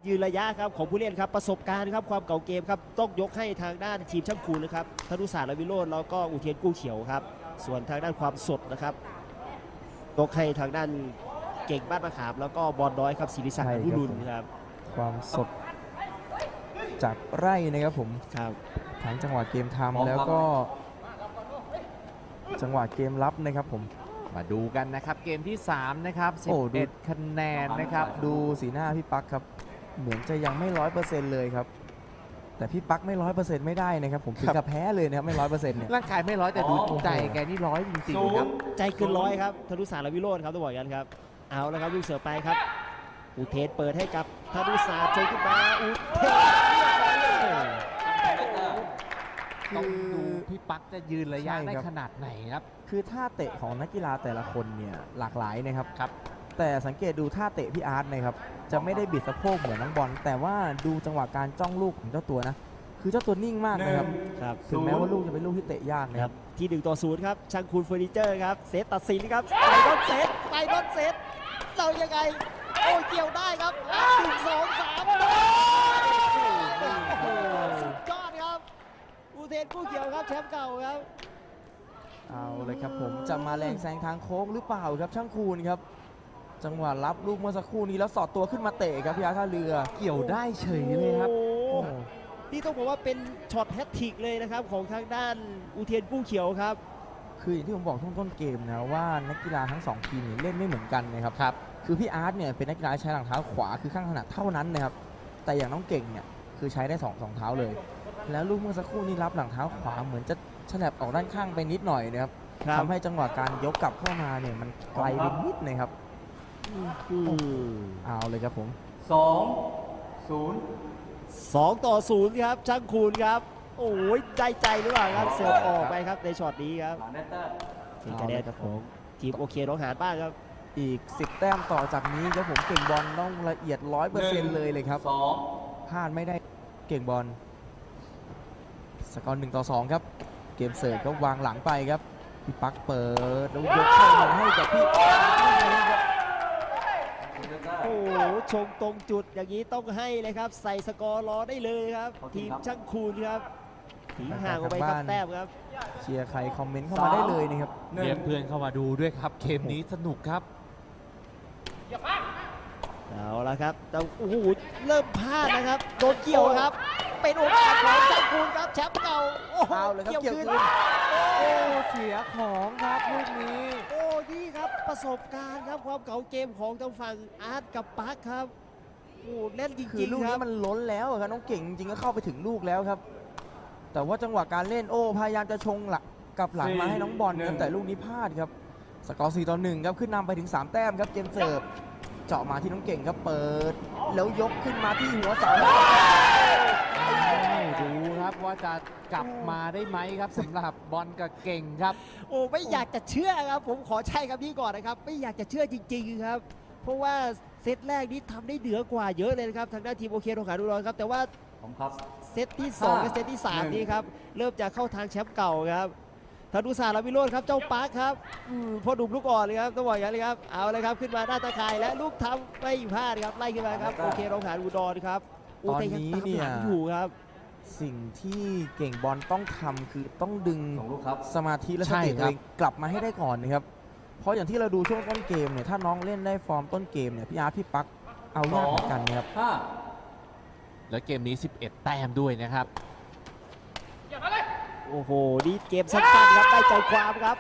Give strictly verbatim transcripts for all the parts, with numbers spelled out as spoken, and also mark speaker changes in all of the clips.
Speaker 1: ยืนระยะครับของผู้เล่นครับประสบการณ์ครับความเก่าเกมครับต้องยกให้ทางด้านทีมช่างคูณนะครับธนุศาสตร์และวิโรจน์แล้วก็อุเทนกู้เขียวครับส่วนทางด้านความสดนะครับยกให้ทางด้านเก่งบ้านมะขามแล้วก็บอลน้อยครับศิริศักดิ์อนุรุณครับ
Speaker 2: ความสดจากไร่นะครับผม
Speaker 1: ครับ
Speaker 2: ทั้งจังหวะเกมทำแล้วก็จังหวะเกมรับนะครับผม
Speaker 3: มาดูกันนะครับเกมที่สามนะครับสิบเอ็ดคะแนนนะครับ
Speaker 2: ดูสีหน้าพี่ปักครับเหมือนจะยังไม่ร้อยเปอร์เซ็นต์เลยครับแต่พี่ปักไม่ร้อยเปอร์เซ็นต์ไม่ได้นะครับผมถึงกับแพ้เลยนะครับไม่ร้อยเปอร์เซ็นต์เนี่ย
Speaker 3: ร่างกายไม่ร้อยแต่ดูใจแกนี่ร้อยจริงๆครับ
Speaker 1: ใจเกินร้อยครับธนุศาสตร์และวิโรจน์ครับต้องบอกกันครับเอาแล้วครับลูกเสือไปครับอุเทนเปิดให้กับธนุศาสตร์โชว์ขึ้นมาอุเทน
Speaker 3: ต้องดูพี่ปักจะยืนระยะได้ขนาดไหนครับ
Speaker 2: คือท่าเตะของนักกีฬาแต่ละคนเนี่ยหลากหลายนะครับ
Speaker 3: ครับ
Speaker 2: แต่สังเกตดูท่าเตะพี่อาร์ตนะครับจะไม่ได้บิดสะโพกเหมือนน้องบอลแต่ว่าดูจังหวะการจ้องลูกของเจ้าตัวนะคือเจ้าตัวนิ่งมากนะครับถึงแม้ว่าลูกจะเป็นลูกที่เตะยากนะครับ
Speaker 1: ที่หนึ่งต่อศูนย์ครับช่างคูณเฟอร์นิเจอร์ครับเซตตัดสินครับไปบอลเซตไปบอลเซตเรายังไงโอ้เกี่ยวได้ครับหนึ่งสองสามสุดยอดครับอุเทนกู้เขียวครับแชมป์เก่าครับ
Speaker 2: เอาเลยครับผมจะมาแรงแซงทางโค้งหรือเปล่าครับช่างคูณครับจังหวะรับลูกเมื่อสักครู่นี้แล้วสอดตัวขึ้นมาเตะครับพี่อาร์ตท่าเรือ
Speaker 3: เกี่ยวได้เฉยเลยครับ
Speaker 1: นี่ต้องบอกว่าเป็นช็อตแฮตทริกเลยนะครับของทางด้านอุเทนกู้เขียวครับ
Speaker 2: คืออย่างที่ผมบอกช่วงต้นเกมนะว่านักกีฬาทั้งสองทีมเล่นไม่เหมือนกันนะครับครับคือพี่อาร์ตเนี่ยเป็นนักกีฬาใช้หลังเท้าขวาคือข้างถนัดเท่านั้นนะครับแต่อย่างน้องเก่งเนี่ยคือใช้ได้สองสองเท้าเลยแล้วลูกเมื่อสักครู่นี้รับหลังเท้าขวาเหมือนจะฉลับออกด้านข้างไปนิดหน่อยนะครับทำให้จังหวะการยกกลับเข้ามาเนี่ยมันไกลไปนิดนะครับเอาเลยครับผม
Speaker 4: สองศูนย์
Speaker 1: สองต่อศูนย์ครับช่างคูณครับโอ้ยใจใจหรือเปล่าครับเสิร์ฟออกไปครับในช็อตนี้ครับเป็นคะแนนครับผมทีมโอเคน้องหานบ้างครับ
Speaker 2: อีกสิบแต้มต่อจากนี้ครับผมเก่งบอลต้องละเอียด ร้อยเปอร์เซ็นต์ เลยเลยครับพลาดไม่ได้เก่งบอลสกอร์หนึ่งต่อสองครับเกมเสิร์ฟก็วางหลังไปครับพี่ปักเปิดแล้วยกเข้ามาให้กับพี่
Speaker 1: โอ้โหชงตรงจุดอย่างนี้ต้องให้เลยครับใส่สกอร์รอได้เลยครับทีมช่างคูณครับทิ้งห่างออกไปครับแต้มครับ
Speaker 2: เชียร์ใครคอมเมนต์เข้ามาได้เลยนะครับ
Speaker 3: เรียกเพื่อนเข้ามาดูด้วยครับเกมนี้สนุกครับ
Speaker 1: เอาละครับแต่โอ้โหเริ่มพลาดนะครับโดนเกี่ยวครับเป็นโอกาสของช่างคูณครับแชมป์เก่าโอ้โห
Speaker 2: เกี่ยวคืนโอ้เสียของครับลูกนี้
Speaker 1: โอ้นี่ครับประสบการณ์ครับความเก่าเกมของทางฝั่งอาร์ตกับปักครับโอ้เล่นจริงๆ
Speaker 2: คือลูกนี้มันล้นแล้วครับน้องเก่งจริงก็เข้าไปถึงลูกแล้วครับแต่ว่าจังหวะการเล่นโอ้พยายามจะชงหลักกับหลังมาให้น้องบอลครับแต่ลูกนี้พลาดครับสกอร์สี่ต่อหนึ่งครับขึ้นนำไปถึงสามแต้มครับเกมเสิร์ฟเจาะมาที่น้องเก่งครับเปิดแล้วยกขึ้นมาที่หัวเสา
Speaker 3: ดูครับว่าจะกลับมาได้ไหมครับสำหรับบอลกับเก่งครับ
Speaker 1: โอ้ไม่อยากจะเชื่อครับผมขอใช้คำนี้ก่อนนะครับไม่อยากจะเชื่อจริงๆครับเพราะว่าเซตแรกนี้ทำได้เหนือกว่าเยอะเลยนะครับทางด้านทีมโอเคโรงขาดูรอนครับแต่ว่าเซตที่สองกับเซตที่สามนี้ครับเริ่มจะเข้าทางแชมป์เก่าครับธนุศาสตร์และวิโรจน์ครับเจ้าปาร์คครับพ่อหนุ่มลูกอ่อนเลยครับต้องบอกอย่างนี้ครับเอาเลยครับขึ้นมาหน้าตาข่ายและลูกทำไม่พลาดครับไล่ขึ้นมาครับโอเคโรงขาดูรอนครับ
Speaker 2: ตอนนี้เนี่ย
Speaker 1: อยู่ครับ
Speaker 2: สิ่งที่เก่งบอลต้องทำคือต้องดึงสมาธิและสติตัวเองกลับมาให้ได้ก่อนนะครับเพราะอย่างที่เราดูช่วงต้นเกมเนี่ยถ้าน้องเล่นได้ฟอร์มต้นเกมเนี่ยพี่อาร์ตพี่ปักเอายากเหมือนกันนะครับ
Speaker 3: แล้วเกมนี้สิบเอ็ดแต้มด้วยนะครับ
Speaker 1: โอ้โหนี่เกมสั้นๆครับได้ใจความครับ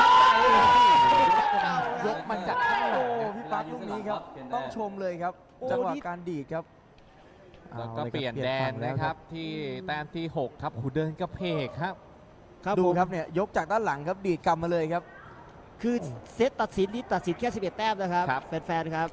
Speaker 2: ยกมันจากข้างหลังพี่ปักลูกนี้ครับต้องชมเลยครับจังหวะการดีดครับ
Speaker 3: แล้วก็เปลี่ยนแดนนะครับที่แต้มที่หกครับหูเดินกระเพกครับ
Speaker 2: ดูครับเนี่ยยกจากด้านหลังครับดีดกลับมาเลยครับ
Speaker 1: คือเซตตัดสินนี่ตัดสินแค่สิบเอ็ดแต้มนะครับแฟนๆครับ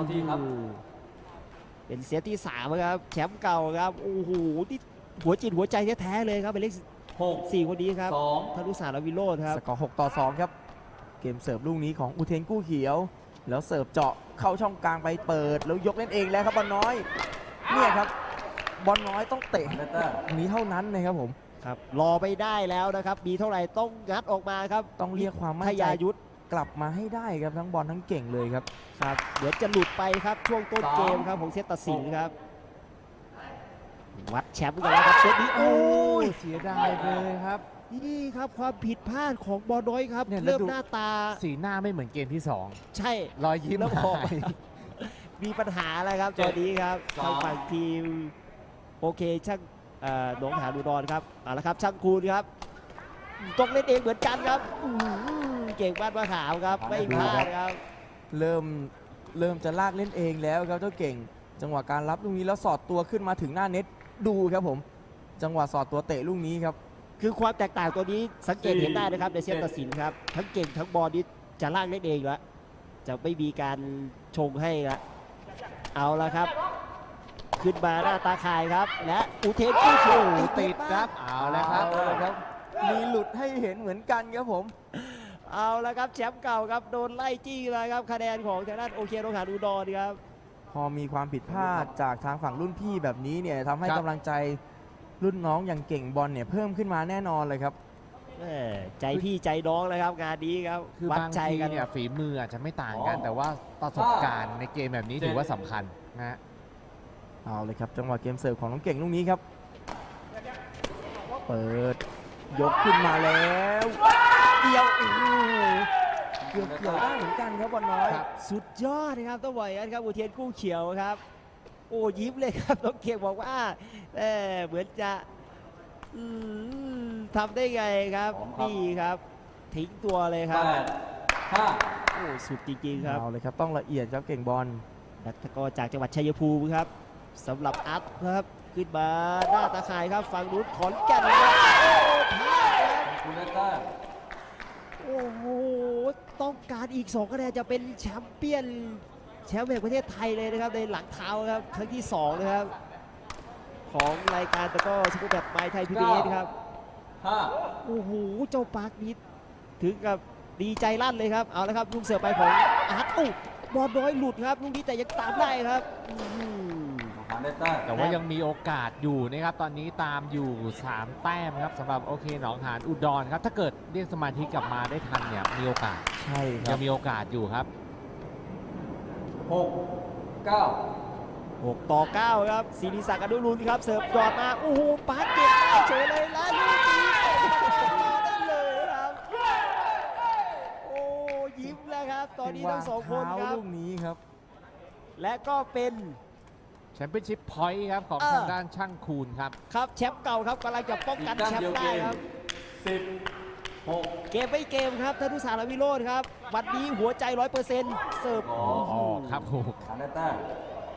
Speaker 1: เป็นเซตที่สามครับแชมป์เก่าครับโอ้โหที่หัวจิตหัวใจแท้ๆเลยครับเป็นเลขหกสี่คนนี้ครับธนุศาสตร์และวิโรจน์ครับ
Speaker 2: สกอร์หกต่อสองครับเกมเสิร์ฟลูกนี้ของอุเทนกู้เขียวแล้วเสิร์ฟเจาะเข้าช่องกลางไปเปิดแล้วยกเล่นเองแล้วครับบอลน้อยเนี่ยครับบอลน้อยต้องเตะนี้เท่านั้นนะครับผม
Speaker 1: ครับรอไปได้แล้วนะครับมีเท่าไหร่ต้องงัดออกมาครับ
Speaker 2: ต้องเรียกความมั่นใจยุทธกลับมาให้ได้ครับทั้งบอลทั้งเก่งเลยครับ
Speaker 1: ครับเดี๋ยวจะหลุดไปครับช่วงต้นเกมครับของเซตตัดสินครับวัดแชมป์กันแล้วครับเซตนี้โอ้ย
Speaker 2: เสียดายไปเลยครับ
Speaker 1: นี่ครับความผิดพลาดของบอลน้อยครับ
Speaker 3: เนี่ยแล้ว
Speaker 1: เริ่ม
Speaker 3: ดู
Speaker 1: หน้าตา
Speaker 3: สีหน้าไม่เหมือนเกมที่สอง
Speaker 1: ใช่
Speaker 3: รอยยิ้ม
Speaker 1: แล้วพอ
Speaker 3: หาย
Speaker 1: มีปัญหาอะไรครับตอนนี้ครับ
Speaker 4: สอง
Speaker 1: ทางฝั่งทีมโอเคช่างเอ่อหนองหานอุดรครับเอาละครับช่างคูณครับต้องเล่นเองเหมือนกันครับอื้อหือเก่งบ้านมะขามครับไม่พลาดครับ
Speaker 2: เริ่มเริ่มจะลากเล่นเองแล้วครับเจ้าเก่ง จังหวะการรับลูกนี้แล้วสอดตัวขึ้นมาถึงหน้าเน็ตดูครับผม จังหวะสอดตัวเตะลูกนี้ครับ
Speaker 1: คือความแตกต่างตัวนี้สังเกตเห็นได้นะครับในเซตตัดสินครับทั้งเก่งทั้งบอลนี้จะลากเล่นเองแล้วจะไม่มีการชงให้ละเอาละครับ ขึ้นมาหน้าตาข่ายครับ และอุเทนกู้โชว์
Speaker 3: ติดครับเอาแล้วครับ
Speaker 2: เอาละครับ มีหลุดให้เห็นเหมือนกันครับผม
Speaker 1: เอาละครับแชมป์เก่าครับโดนไล่จี้เลยครับคะแนนของทางด้านโอเคโรงหานอุดรครับ
Speaker 2: พอมีความผิดพลาดจากทางฝั่งรุ่นพี่แบบนี้เนี่ยทำให้
Speaker 3: ครับ
Speaker 2: กำลังใจรุ่นน้องอย่างเก่งบอลเนี่ยเพิ่มขึ้นมาแน่นอนเลยครับ
Speaker 1: แหม่ใจพี่ใจน้องเลยครับงานนี้ครับ
Speaker 3: คือ
Speaker 1: วัด
Speaker 3: บาง
Speaker 1: ใจ
Speaker 3: ที
Speaker 1: กัน
Speaker 3: เนี่ยฝีมืออาจจะไม่ต่างกัน แต่ว่าประสบการณ์ในเกมแบบนี้ถือว่าสำคัญนะฮะ
Speaker 2: เอาเลยครับจังหวะเกมเสิร์ฟของน้องเก่งลูกนี้ครับ เปิดยกขึ้นมาแล้วเกี่ยวโอ้โหเกี่ยวเกี่ยวได้เหมือนกันครับบอลน้อย
Speaker 3: ครับ
Speaker 1: สุดยอดนะครับต้องบอกอย่างนั้นครับอุเทนกู้เขียวครับ โอ้ยิ้มเลยครับน้องเกียงบอกว่าเออเหมือนจะอืมทำได้ไงครับ
Speaker 4: พร้อมครับ
Speaker 1: นี่ครับ ทิ้งตัวเลยค
Speaker 4: แป
Speaker 1: รับ
Speaker 4: ดห้า
Speaker 1: โอ้สุดจริงๆครับ
Speaker 2: เอาเลยครับต้องละเอียดครับเก่งบอล
Speaker 1: นักตะกร้อจากจังหวัดชัยภูมิครับสำหรับอัพครับขึ้นมาหน้าตาข่ายครับฝั่งนู้นขอนแก่นครับโอ้พลาดครับ
Speaker 4: คุณได้แต้ม
Speaker 1: โอ้โหต้องการอีกสองคะแนนจะเป็นแชมเปี้ยนแชมป์แห่งประเทศไทยเลยนะครับในหลังเท้าครับครั้งที่สองนะครับ ของรายการตะกร้อซุปเปอร์แบทไมค์ไทยพีบีเอสครับ
Speaker 4: ห้า
Speaker 1: โอ้โหเจ้าปาร์คนิดถึงกับดีใจลั่นเลยครับเอาละครับลูกเสิร์ฟไปของอาร์ตอู้บอลน้อยหลุดครับลูกนี้แต่ยังตามได้ครับอื้อหือ
Speaker 4: หานได้แต้ม
Speaker 3: แต่ว่ายังมีโอกาสอยู่นะครับ ตอนนี้ตามอยู่ สาม แต้มครับสำหรับโอเคหนองหานอุดรครับ ถ้าเกิดเรียกสมาธิกลับมาได้ทันเนี่ยมีโอกาส
Speaker 2: ใช่ค
Speaker 3: ยั
Speaker 2: รับ
Speaker 3: งมีโอกาสอยู่ครับ
Speaker 4: หกเก้า
Speaker 1: หกต่อเก้าครับศิริศักดิ์อนุรุณครับเสิร์ฟยอดมาโอ้โหปาร์คเก็บได้เฉยเลยแล้วลูกนี้ได้เลยครับโอ้ยิ้มแล้วครับตอนนี้ทั้งสองคนค
Speaker 2: เท้า
Speaker 1: รับ
Speaker 2: ลูกนี้ครับ
Speaker 1: และก็เป็น
Speaker 3: แชมเปี้ยนชิพพอยต์ครับของ
Speaker 1: เออ
Speaker 3: ทางด้านช่างคูณครับ
Speaker 1: ครับแชมป์เก่าครับกำลังจะป้อง
Speaker 4: อีก
Speaker 1: กัน
Speaker 4: แต้ม
Speaker 1: แชม
Speaker 4: เดียว
Speaker 1: ป์
Speaker 4: เก
Speaker 1: ได้
Speaker 4: ม
Speaker 1: ครับ
Speaker 4: สิบหก
Speaker 1: เกมไม่เกมครับธนุสารวิโรธครับวันนี้หัวใจร้อยเปอร์เซ็นต์เสิร์ฟ
Speaker 4: อ๋อ
Speaker 3: อ๋อครับผม
Speaker 4: หานได้แต้ม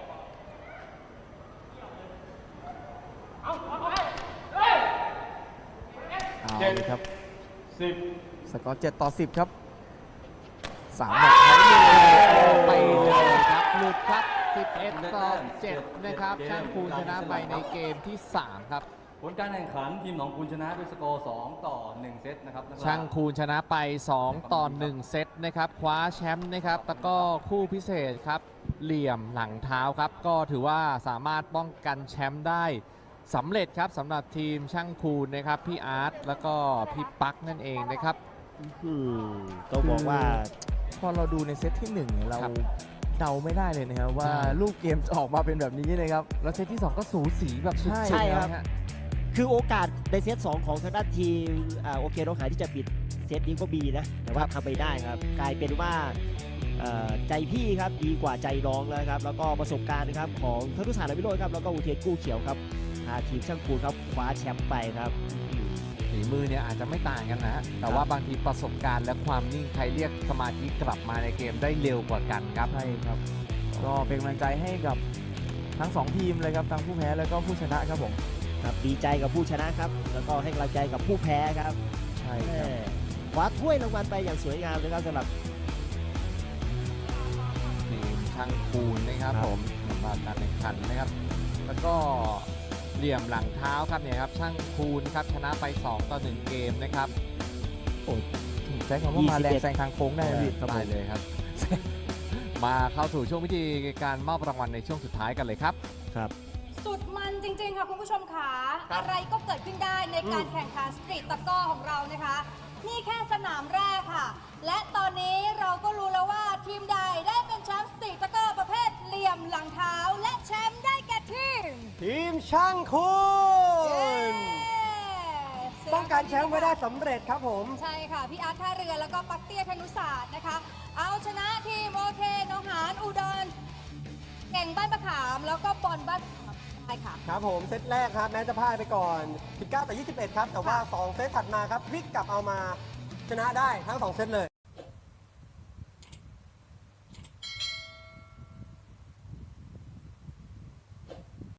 Speaker 2: เอา
Speaker 4: เจ็ด
Speaker 2: เลยครับ
Speaker 4: สิบ
Speaker 2: สกอร์เจ็ดต่อสิบครับสามแมตช์ไทยลีก
Speaker 3: ไปเลยครับหลุดครับ สิบเอ็ด ต่อ เจ็ด นะครับช่างคูณชนะไปในเกมที่ สาม ครับ
Speaker 4: ผลการแข่งขันทีมหนองคูณชนะด้วยสกอร์สองต่อหนึ่งเซตนะครับนักกีฬ
Speaker 3: ช่างคูณชนะไป สอง ต่อ หนึ่ง เซตนะครับคว้าแชมป์นะครับแล้วก็คู่พิเศษครับเหลี่ยมหลังเท้าครับ ก็ถือว่าสามารถป้องกันแชมป์ได้สำเร็จครับสำหรับทีมช่างคูณนะครับพี่อาร์ตแล้วก็พี่ปักนั่นเองนะครับ
Speaker 1: อืมต้องบอกว่า
Speaker 2: พอเราดูในเซตที่หนึ่งเนี่ยเรา
Speaker 3: ครับ
Speaker 2: เดาไม่ได้เลยนะครับว่า
Speaker 3: ใช่
Speaker 2: ลูกเกมจะออกมาเป็นแบบนี้นะครับ
Speaker 3: แล้วเซตที่ สอง ก็สูสีแบบสุด
Speaker 2: ใช่
Speaker 3: ๆ
Speaker 1: ครับ
Speaker 3: นะฮะ
Speaker 1: คือโอกาสในเซตสองของทางด้านทีมอ่าโอเคน้องหานที่จะปิดเซตนี้ก็มีนะ แต่ว่าทำไม่ได้ครับ กลายเป็นว่าเอ่อใจพี่ครับดีกว่าใจน้องแล้วครับ แล้วก็ประสบการณ์นะครับของธนุสารวิโรจน์ครับแล้วก็อุเทนกู้เขียวครับพาทีมช่างคูณครับคว้าแชมป์ไปครับ
Speaker 3: ฝีมือเนี่ยอาจจะไม่ต่างกันนะฮะแต่ว่าบางทีประสบการณ์และความนิ่งใครเรียกสมาธิกลับมาในเกมได้เร็วกว่ากันครับ
Speaker 2: ใช่ครับ ก็เป็นกำลังใจให้กับทั้งสองทีมเลยครับทั้งผู้แพ้แล้วก็ผู้ชนะครับผม
Speaker 1: ครับดีใจกับผู้ชนะครับ แล้วก็ให้กำลังใจกับผู้แพ้ครับ
Speaker 2: ใช่
Speaker 1: แม่
Speaker 2: ครับ
Speaker 1: คว้าถ้วยรางวัลไปอย่างสวยงามเลยครับสำหรับ
Speaker 3: ทีมช่างคูณนะครับ
Speaker 1: ครับ
Speaker 3: ผมสำหรับการแข่งขันนะครับ แล้วก็เหลี่ยมหลังเท้าครับเนี่ยครับช่างคูณครับชนะไป สอง ต่อ หนึ่ง เกมนะครับ
Speaker 2: ใช้คำว่ามาแรงแซงทางโค้งได้นะพี่
Speaker 3: ได้เลยครับ มาเข้าสู่ช่วงพิธีการมอบรางวัลในช่วงสุดท้ายกันเลยครับ
Speaker 1: ครับ
Speaker 5: สุดมันจริง ๆ ค่ะ คุณผู้ชมค่ะอะไรก็เกิดขึ้นได้ในการแข่งขันสตรีทตะกร้อของเรานะคะ นี่แค่สนามแรกค่ะ และตอนนี้เราก็รู้แล้วว่าทีมใดได้เป็นแชมป์สตรีทตะกร้อประเภทเหลี่ยมหลังเท้า และแชมป์ได้แก่ทีม
Speaker 1: ทีม
Speaker 6: ช่างคุ
Speaker 5: เย้
Speaker 6: ณป้องกันแชมป์ไว้ได้สำเร็จครับผม
Speaker 5: ใช่ค่ะ พี่อาร์ตท่าเรือแล้วก็ปักเตี้ยธนุศาสตร์นะคะ เอาชนะทีมโอเคหนองหานอุดรเก่งบ้านมะขามแล้วก็บอลบ้านมะขามใช่ค่ะ
Speaker 6: ครับผมเซตแรกครับแม้จะพ่ายไปก่อนสิบเก้าต่อยี่สิบเอ็ดครับแต่ว่า
Speaker 5: ค่ะ
Speaker 6: สอง เซตถัดมาครับพลิกกลับเอามาชนะได้ทั้งสองเซตเลย